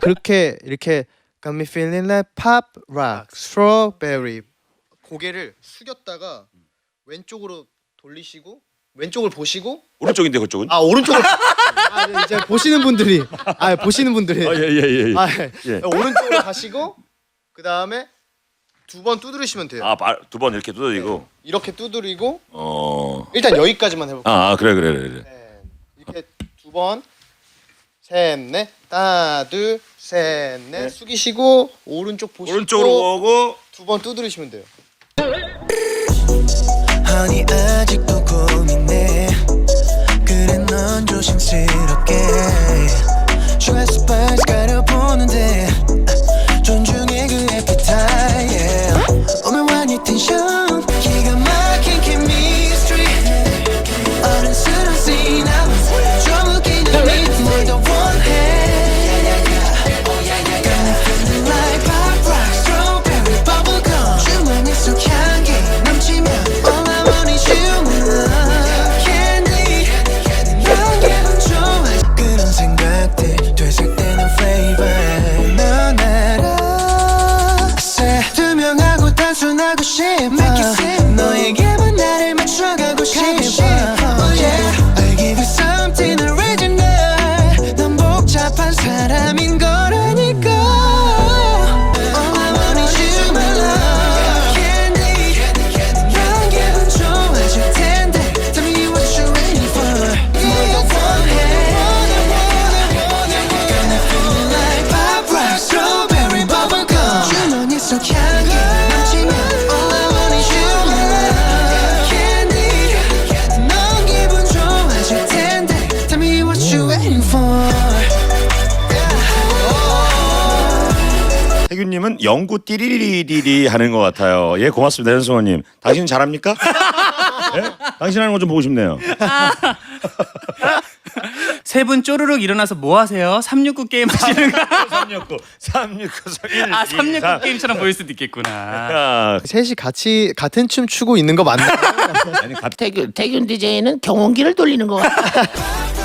그렇게 이렇게 Got me feeling like pop rock, strawberry. 고개를 숙였다가 왼쪽으로 돌리시고 왼쪽을 보시고 오른쪽인데 그쪽은? 아 오른쪽을 네, 이제 보시는 분들이 보시는 분들이 예예예. 예. 오른쪽으로 가시고 그 다음에 두 번 두드리시면 돼요. 두 번 이렇게 두드리고. 이렇게 두드리고 일단 여기까지만 해볼게요. 그래. 네. 이렇게 두 번, 셋, 넷, 하나, 둘, 셋, 넷 숙이시고 오른쪽 보시고 오른쪽으로 오고 두 번 두드리시면 돼요. 아니 아직도 고민해 그래 넌 조심스럽게 Sugar spice 가려보는데 존중해 그 appetite yeah. 오늘만 이 텐션 기가 막힌 chemistry 어른스러운 scene 좀 웃기는 beat 뭘더 원해 Got me feeling like pop rock strawberry bubblegum 주머니 속 향기 넘치면 all I want is you candy 넌 기분 좋아 그런 생각들 되살때는 flavor 넌 알아 say 투명하고 단순하고 싶어 너에게만 나를 맞춰가고 싶어 oh yeah I give you something original 넌 복잡한 사람인 거라니까 all I want is you my love candy 넌 기분 좋아질 텐데 Tell me what you're waiting for 뭘 더 원해 Got me feeling like pop rock strawberry bubblegum 주머니 속 향기 넘치면 all I want is you my love candy 넌 기분 좋아질 텐데 Tell me what you're waiting for 태균님은 영구 띠리리리리 하는 것 같아요. 예, 고맙습니다, 현승호님. 당신 잘합니까? 예? 당신 하는 거 좀 보고 싶네요. 세 분 쪼르륵 일어나서 뭐 하세요? 369 게임 하시는 거? 369 1 369 게임처럼 보일 수도 있겠구나. 셋이 같은 춤 추고 있는 거 맞나요? 아니 태균 DJ는 경운기를 돌리는 것 같아.